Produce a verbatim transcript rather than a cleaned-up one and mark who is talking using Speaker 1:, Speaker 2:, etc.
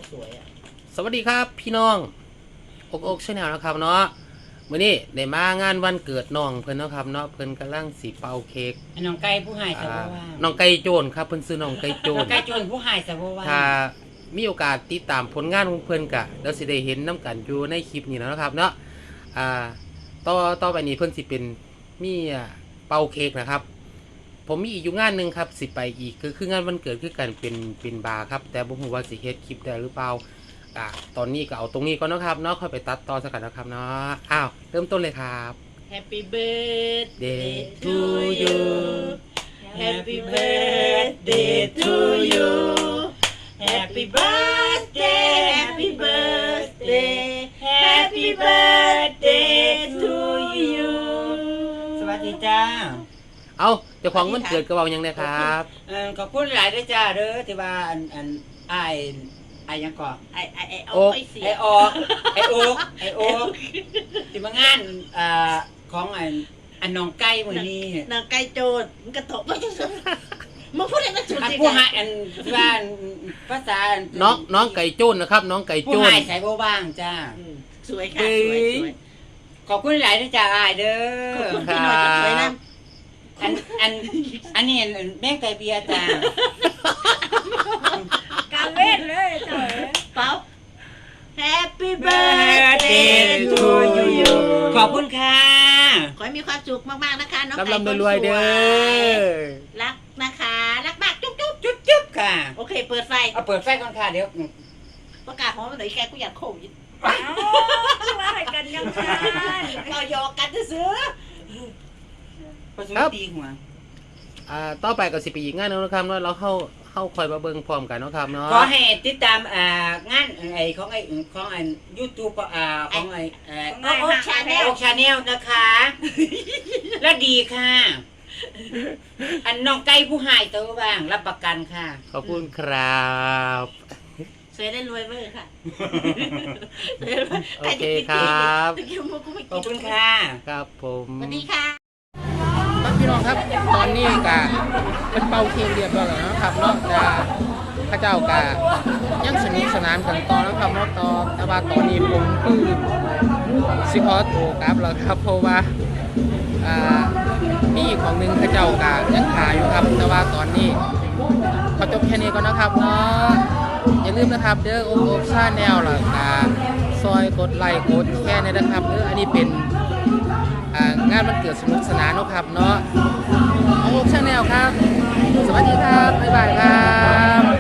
Speaker 1: สวยอ่ะ
Speaker 2: สวัสดีครับพี่น้องอกอกชาแนลนะครับเนาะมื้อนี้ได้มางานวันเกิดน้องเพิ่นเนาะครับเนาะเพิ่นกำลังสิเป่าเค้ก
Speaker 1: น้องไก่ผู้หายสะบ่ว่า
Speaker 2: น้องไก่โจรครับเพิ่นซื้อน้องไก่โจร
Speaker 1: น้องไก่โจรผู้หายสะบ่ว่า
Speaker 2: ถ้ามีโอกาสติดตามผลงานของเพิ่นก็เดี๋ยวสิได้เห็นนํกันอยู่ในคลิปนี้แล้วนะครับเนาะอ่าต่อต่อไปนี้เพิ่นสิเป็นมีเป่าเค้กนะครับผมมีอีกอยู่งานหนึ่งครับสิไปอีกคือคืองานวันเกิดคือกันเป็นเป็นบาร์ครับแต่บ่ฮู้ว่าสิเฮ็ดคลิปได้หรือเปล่าอ่ะตอนนี้ก็เอาตรงนี้ก่อนนะครับเนาะค่อยไปตัดต่อสักกันนะครับเนาะอ้าวเริ่มต้นเลยครับ
Speaker 1: Happy birthday
Speaker 2: to you
Speaker 1: Happy birthday to you Happy birthday Happy birthday Happy birthday to you สวัสดีจ้า
Speaker 2: เอาเจ้าของวันเกิดก็เว้าหยังไงครับ
Speaker 1: เออขอบคุณหลายด้วยจ้าเด้อที่ว่าอันอันอ้ายไอ้ยังก่อไอ้ไอ้ไอ้โอ๊กไอ้ออกไอ้โอ๊กไอ้โอ๊กที่มางานอ่าของอันอันน้องไก่มื้อนี้
Speaker 3: น้องไก่โจรมันกระตกไม่ใช่สิมึงพูดอะไรมาจุด
Speaker 1: อัน
Speaker 3: สิ
Speaker 1: ผู้หายอันว่าภาษา
Speaker 2: น้องน้องไก่โจนนะครับน้องไก่โจ
Speaker 1: ผู้
Speaker 2: น
Speaker 1: หายใส่โบบ้างจ้า
Speaker 3: สวยค่ะสวยสวย
Speaker 1: ขอบคุณหลายด้วยจ้าอ้ายเด้อ
Speaker 3: ขอบคุณพี่น้อยกับสวยนะ
Speaker 1: อันอันอันนี้แม่ไก่เบียร์จ้า
Speaker 3: การเล่นเลยเจ้าเป้า Happy
Speaker 1: birthday to you ขอบคุณค่ะ
Speaker 3: ขอให้มีความสุขมากๆนะคะน้องไก่
Speaker 2: ลำลำรวยๆเด้อ
Speaker 3: รักนะคะรักมากจุ๊บจุ๊บ
Speaker 1: จุ๊บจุ๊บค่ะ
Speaker 3: โอเคเปิดไฟ
Speaker 1: เอาเปิดไฟก่อนค่ะเดี๋ยว
Speaker 3: ประกาศของมันหน่อยแกกูอยากโควิด
Speaker 4: ว่าให้กันยังไง
Speaker 3: เราหยอกกันซื้อ
Speaker 1: ประสูตีหัว
Speaker 2: อ่าต่อไปก็สิไปอีกงานหนึงนะครับเนาะเราเข้าเข้าคอยมาเบิ่งพร้อมกันเนาะครับเนาะ
Speaker 1: ขอให้ติดตามอ่างานไอ้ของไอ้ของไอ้ YouTube อ่าของไอ้เอ่อ
Speaker 3: โอ้โหชาแนล
Speaker 1: โอชาแนลนะคะ และดีค่ะ อันน้องไก่ผู้หายตัวบ้างรับประกันค่ะ
Speaker 2: ขอบคุณครับ
Speaker 3: สวยได้รวยเวอร์ค่ะ
Speaker 2: โอเคครับ
Speaker 1: ขอบคุณค่ะ
Speaker 2: ครับผม
Speaker 3: สวัสดีค่ะ
Speaker 2: ครับพี่น้องครับตอนนี้กะเป็นเป่าเค้กเรียบร้อยแล้วนะครับเนาะแต่พระเจ้ากะยังสนุกสนานกันต่อนะครับเนาะต่อแต่ว่าตอนนี้ผมคือสิขอตัวกลับแล้วครับเพราะว่าอ่ามีอีกของหนึ่งพระเจ้ากะยังขายอยู่ครับแต่ว่าตอนนี้ขอจบแค่นี้ก่อนนะครับเนาะอย่าลืมนะครับเด้อโอ๊คชาแนลล่ะกะซอยกดไลค์กดแชร์นะครับเด้ออันนี้เป็นงานวันเกิดสนุกสนานนะครับเนาะโอ๊คชาแนลครับสวัสดีครับบ๊ายบายครับ